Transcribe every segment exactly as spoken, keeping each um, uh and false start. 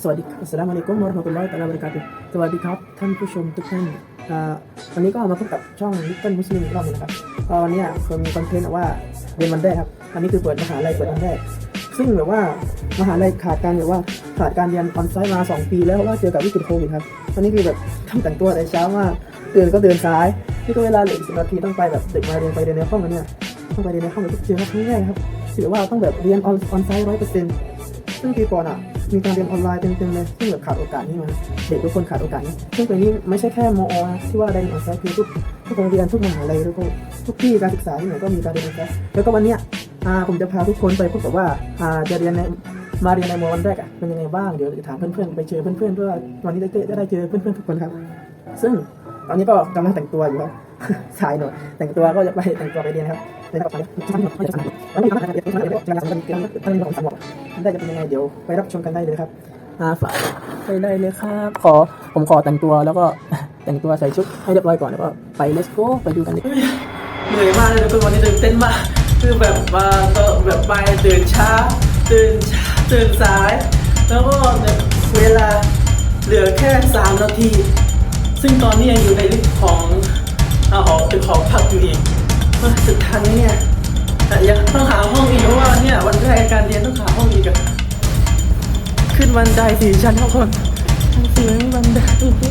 วัสดีครับอัสสลามุอะลัยกุมวะเราะห์มะตุลลอฮิ ตะอาลา วะบะเราะกาตุฮ์สวัสดีครับท่านผู้ชมทุกท่านวันนี้ก็มาพบกับช่อง Little Muslim อีกรอบนึงนะครับวันนี้คือมีคอนเทนต์ว่าเรียนวันแรกครับอันนี้คือเปิดมหาลัยเปิดวันแรกซึ่งแบบว่ามหาลัยขาดการแบบว่าขาดการเรียนออนไซต์มาสองปีแล้วเพราะว่าเจอกับวิกฤตโควิดครับวันนี้คือแบบต้องแต่งตัวแต่เช้ามากตื่นก็เดินสายนี่ก็เวลาเหลือสิบนาทีต้องไปแบบเด็กมาเรียนไปเรียนในห้องกันเนี่ยต้องไปเรียนในห้องแบบเจอครับครั้งแรกครับถือว่าต้องแบบเรียนออนไซต์ร้อยเปอร์เซ็นต์ซึ่งปีก่อนอ่ะมีการเรียนออนไลน์เต็มๆเลยซึ่งแบบขาดโอกาสนี่มาเด็กทุกคนขาดโอกาสนี้ซึ่งตรงนี้ไม่ใช่แค่มอที่ว่าได้เรียนออนไซต์คือทุกทุกโรงเรียนทุกมหาลัยทุกทุกที่การศึกษาที่ไหนก็มีการเรียนออนไซต์แล้วก็วันเนี้ยผมจะพาทุกคนไปพบกับว่าจะเรียนในมาเรียนในมอวันแรกอ่ะเป็นยังไงบ้างเดี๋ยวจะถามเพื่อนๆไปเจอเพื่อนๆเพื่อวันนี้ได้ได้เจอเพื่อนๆทุกคนครับซึ่งตอนนี้ก็กำลังแต่งตัวอยู่ครับสายหน่อยแต่งตัวก็จะไปแต่งตัวไปเรียนครับได้ครับแล้วมีอะไรเดี๋ยวเดี๋ยวจะทำกันท่านของสมองได้จะเป็นยังไงเดี๋ยวไปรับชมกันได้เลยครับฝากไปได้เลยครับขอผมขอแต่งตัวแล้วก็แต่งตัวใส่ชุดให้เรียบร้อยก่อนแล้วก็ไป let's go ไปดูกันเลยเหนื่อยมากเลยทุกวันนี้ตื่นเต้นมากคือแบบมาก็แบบไปตื่นช้าตื่นช้าตื่นสายแล้วก็เวลาเหลือแค่สามนาทีซึ่งตอนนี้ยังอยู่ในลิฟต์ของหอตึกหอพักอยู่อีกสุดท้ายเนี่ยยังต้องหาห้องอีกเพราะว่าเนี่ยวันแรกการเรียนต้องหาห้องอีกอะขึ้นบันไดสี่ชั้นทุกคนเสียงบันได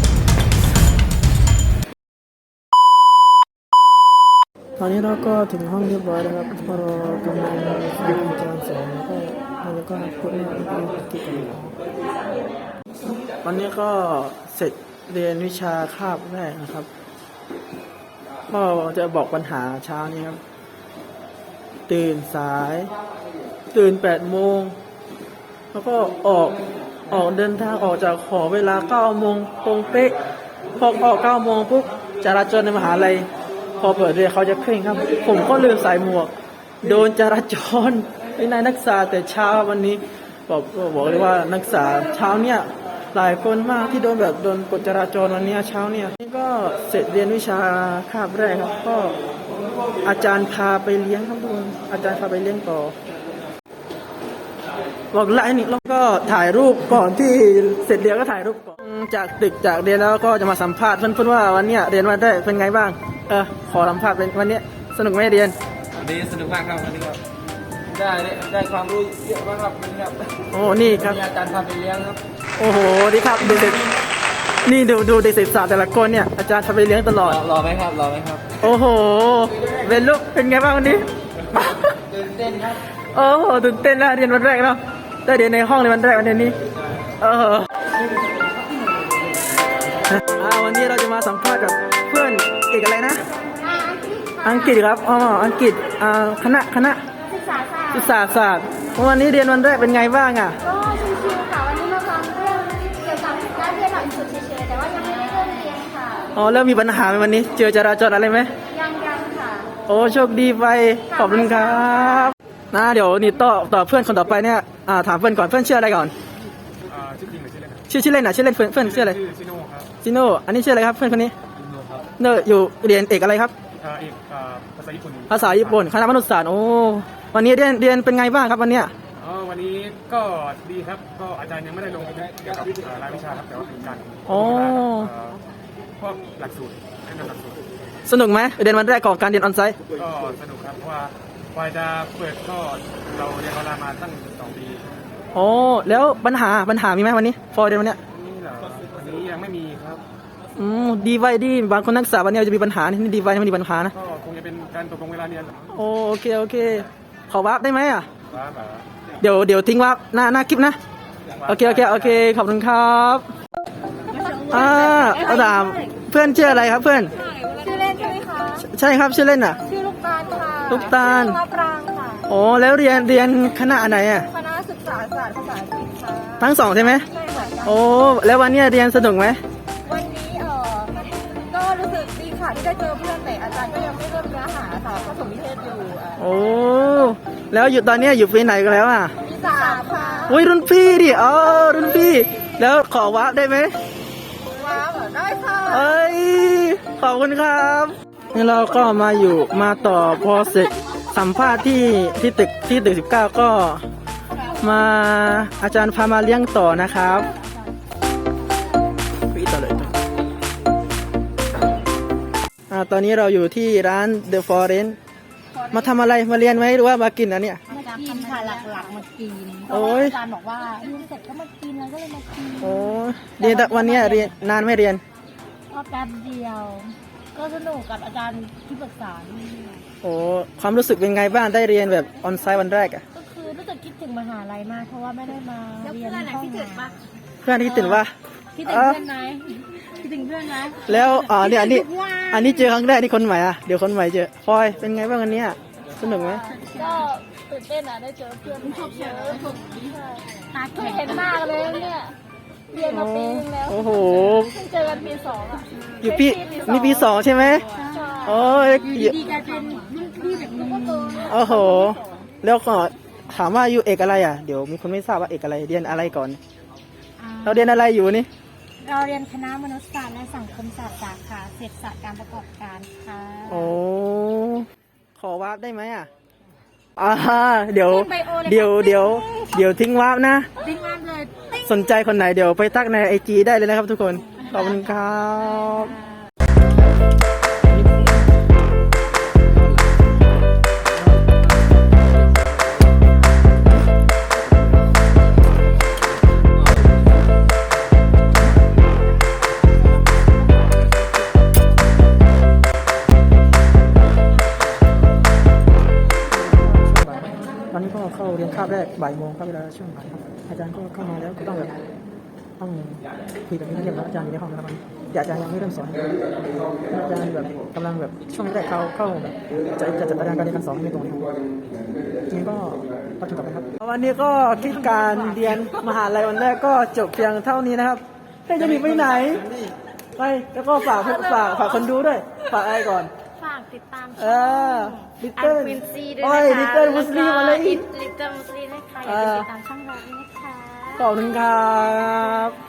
ตอนนี้เราก็ถึงห้องเรียบร้อยแล้วครับพอเรากำลังฟังอาจารย์สอนแล้วก็แล้วก็พูดเรื่องที่กันวันนี้ก็เสร็จเรียนวิชาคาบแรกนะครับก็จะบอกปัญหาเช้านี้ครับตื่นสายตื่นแปดโมงแล้วก็ออกออกเดินทางออกจากหอเวลาเก้าโมงตรงเป๊ะพอออกเก้าโมงปุ๊บจราจรในมหาลัยพอเปิดเรียนเขาจะเคร่งครับผมก็ลืมใส่หมวกโดนจราจรไอ้นายนักศึกษาแต่เช้าวันนี้บอกบอกเลยว่านักศึกษาเช้าเนี่ยหลายคนมากที่โดนแบบโดนกฎจราจรวันนี้เช้าเนี่ยนี่ก็เสร็จเรียนวิชาคาบแรกครับก็อาจารย์พาไปเลี้ยงครับทุกคนอาจารย์พาไปเลี้ยงต่อบอกไลน์นี่แล้วก็ถ่ายรูปก่อนที่เสร็จเรียนก็ถ่ายรูปก่อนจากตึกจากเรียนแล้วก็จะมาสัมภาษณ์เพื่อนๆว่าวันนี้เรียนวันแรกเป็นไงบ้างเออขอสัมภาษณ์เป็นวันนี้สนุกไหมเรียนดีสนุกมากครับวันนี้ครับได้ได้ความรู้เยอะมากครับวันนี้ครับโอ้นี่ครับอาจารย์พาไปเลี้ยงครับโอ้โหดีครับดูเด็กนี่ดูดูเด็กศึกษาแต่ละคนเนี่ยอาจารย์พาไปเลี้ยงตลอดรอไหมครับรอไหมครับโอ้โหเป็นลูกเป็นไงบ้างวันนี้ตื่นเต้นครับโอ้โหตื่นเต้นนะเรียนวันแรกเนาะได้เรียนในห้องในวันแรกวันนี้เอออ่าวันนี้เราจะมาสัมภาษณ์กับเพื่อนเอกอะไรนะอังกฤษครับอ๋ออังกฤษอ่าคณะคณะศึกษาศาสตร์ศึกษาศาสตร์วันนี้เรียนวันแรกเป็นไงบ้างอ่ะก็ชิวๆค่ะวันนี้มาฟังเรื่องเกี่ยวกับการเรียนหลักสูตรเฉยๆแต่ว่ายังไม่ได้เริ่มเรียนค่ะอ๋อแล้วมีปัญหาไหมวันนี้เจอจราจรอะไรไหมยังยังค่ะโอ้โชคดีไปขอบคุณครับนะเดี๋ยวนี่ต่อต่อเพื่อนคนต่อไปเนี่ยอ่าถามเพื่อนก่อนเพื่อนชื่ออะไรก่อนอ่าชื่อจริงหรือชื่อเล่นชื่อชื่อเล่นอ่ะชื่อเล่นเพื่อนเพื่อนชื่ออะไรชื่อซิโน่ครับซิโน่อันนี้ชื่ออะไรครับเพื่อนคนนี้ซิโน่ครับเนออยู่เรียนเอกอะไรครับอ่าเอกอ่าภาษาญี่ปุ่นภาษาญี่ปุ่นคณะมนุษยศาสตร์โอ้วันนี้เรียนเรียนเป็นไงบ้างครับวันเนี้ยอ๋อวันนี้ก็ดีครับก็อาจารย์ยังไม่ได้ลงเกี่ยวกับรายวิชาครับแต่ว่าเป็นการอ๋อพวกหลักสูตรแนะนำหลักสูตรสนุกไหมเรียนวันแรกของการเรียนออนไซต์ก็สนุกครับเพราะว่าพอจะเปิดก็เราเรียนออนไลน์มาตั้งสองปีโอ้แล้วปัญหาปัญหามีไหมวันนี้พอเรียนวันเนี้ยนี่เหรอวันนี้ยังไม่มีครับอืมดีไว้ดีบางคนนักศึกษาวันนี้จะมีปัญหานี่ดีไว้ไม่มีปัญหานะก็คงจะเป็นการตกลงเวลาเรียนโอเคโอเคขอวาร์ปได้ไหมอ่ะวาร์ปเดี๋ยวเดี๋ยวทิ้งวาร์ปหน้าหน้าคลิปนะโอเคโอเคโอเคขอบคุณครับอ่าอาดามเพื่อนชื่ออะไรครับเพื่อนชื่อเล่นใช่ไหมคะใช่ครับชื่อเล่นอ่ะชื่อลูกตาลค่ะลูกตาลมะปรางค่ะโอ้แล้วเรียนเรียนคณะไหนอ่ะคณะศึกษาศาสตร์ภาษาอังกฤษค่ะทั้งสองใช่ไหมใช่ค่ะโอ้แล้ววันนี้เรียนสนุกไหมวันนี้เออก็รู้สึกดีค่ะที่ได้เจอเพื่อนแต่อาจารย์ก็ยังไม่เริ่มเนื้อหาค่ะผสมนิเทศอยู่โอ้แล้วอยู่ตอนนี้อยู่ปีไหนกันแล้วอ่ะปีสามค่ะอุ้ยรุ่นพี่ดิอ๋อรุ่นพี่แล้วขอวาร์ปได้ไหมวาร์ปได้ค่ะเอ้ยขอบคุณครับนี่เราก็มาอยู่มาต่อพอเสร็จสัมภาษณ์ที่ที่ตึกที่ตึกสิบเก้าก็มาอาจารย์พามาเลี้ยงต่อนะครับอ่าตอนนี้เราอยู่ที่ร้าน The Forest มาทำอะไรมาเรียนไหมหรือว่ามากินอันเนี้ยมากินค่ะหลักๆมากินโอ้ยอาจารย์บอกว่าเรียนเสร็จก็มากินแล้วก็เลยมากินโอ้เรียนแต่วันเนี้ยเรียนนานไม่เรียนก็แป๊บเดียว ก็สนุกกับอาจารย์ที่ปรึกษาด้วยโอ้ความรู้สึกเป็นไงบ้างได้เรียนแบบออนไซต์วันแรกอะก็คือรู้สึกคิดถึงมหาลัยมากเพราะว่าไม่ได้มาเรียนห้องคิดถึงปะเพื่อนที่ตื่นว่าคิดถึงเพื่อนไหมคิดถึงเพื่อนไหมแล้วอ๋อเนี่ยอันนี้คิดถึงทุกวันอันนี้เจอครั้งแรกนี่คนใหม่อะเดี๋ยวคนใหม่เจอพลอยเป็นไงบ้างอันเนี้ยสนุกไหมก็ตื่นเต้นอ่ะได้เจอเพื่อนชอบเจอตาแข็งเห็นหน้ากันเลยเนี่ยเรียนมาปีนึงแล้วโอ้โหเพิ่งเจอกันปีสองอ่ะอยู่ปีนี่ปีสองใช่ไหมโอ้ยดีกลายเป็นรุ่นพี่แบบนี้ก็โตโอ้โห แล้วก็ถามว่าอยู่เอกอะไรอ่ะ เดี๋ยวมีคนไม่ทราบว่าเอกอะไร เรียนอะไรก่อน เราเรียนอะไรอยู่นี่เราเรียนคณะมนุษยศาสตร์และสังคมศาสตร์สาขาเศรษฐศาสตร์การประกอบการค่ะโอ้ ขอวาร์ปได้ไหมอ่ะอ่าเดี๋ยว เดี๋ยว เดี๋ยว เดี๋ยวทิ้งวาร์ปนะดิ้งมากเลยติ๊งสนใจคนไหนเดี๋ยวไปทักในไอจีได้เลยนะครับทุกคน ขอบคุณครับ ตอนนี้ก็เข้าเรียนคาบแรกบ่ายโมงครับเวลาช่วงบ่ายครับอาจารย์ก็เข้ามาแล้วก็ต้องแบบต้องคุยกับนักเรียนแล้วอาจารย์อยู่ในห้องนะครับแต่อาจารย์ยังไม่เริ่มสอนอาจารย์แบบกำลังแบบช่วงแรกเขาเข้าแบบจะจะจัดตารางการเรียนการสอนไม่ตรงนะครับจริงก็ก็ถูกกับนะครับวันนี้ก็คิดการเรียนมหาลัยวันแรกก็จบเพียงเท่านี้นะครับเฮ้ยจะหนีไปไหนไปแล้วก็ฝากฝากฝากคนดูด้วยฝากอะไรก่อนฝากติดตามเอช่องอลิตเติ้ลวินซีด้วยโอ้ยนะคะลิตเติ้ลมุสลิมอะไรอีกลิตเติ้ลมุสลิมนะคะอย่าลืมติดตามช่องเราด้วยนะคะขอบคุณครับ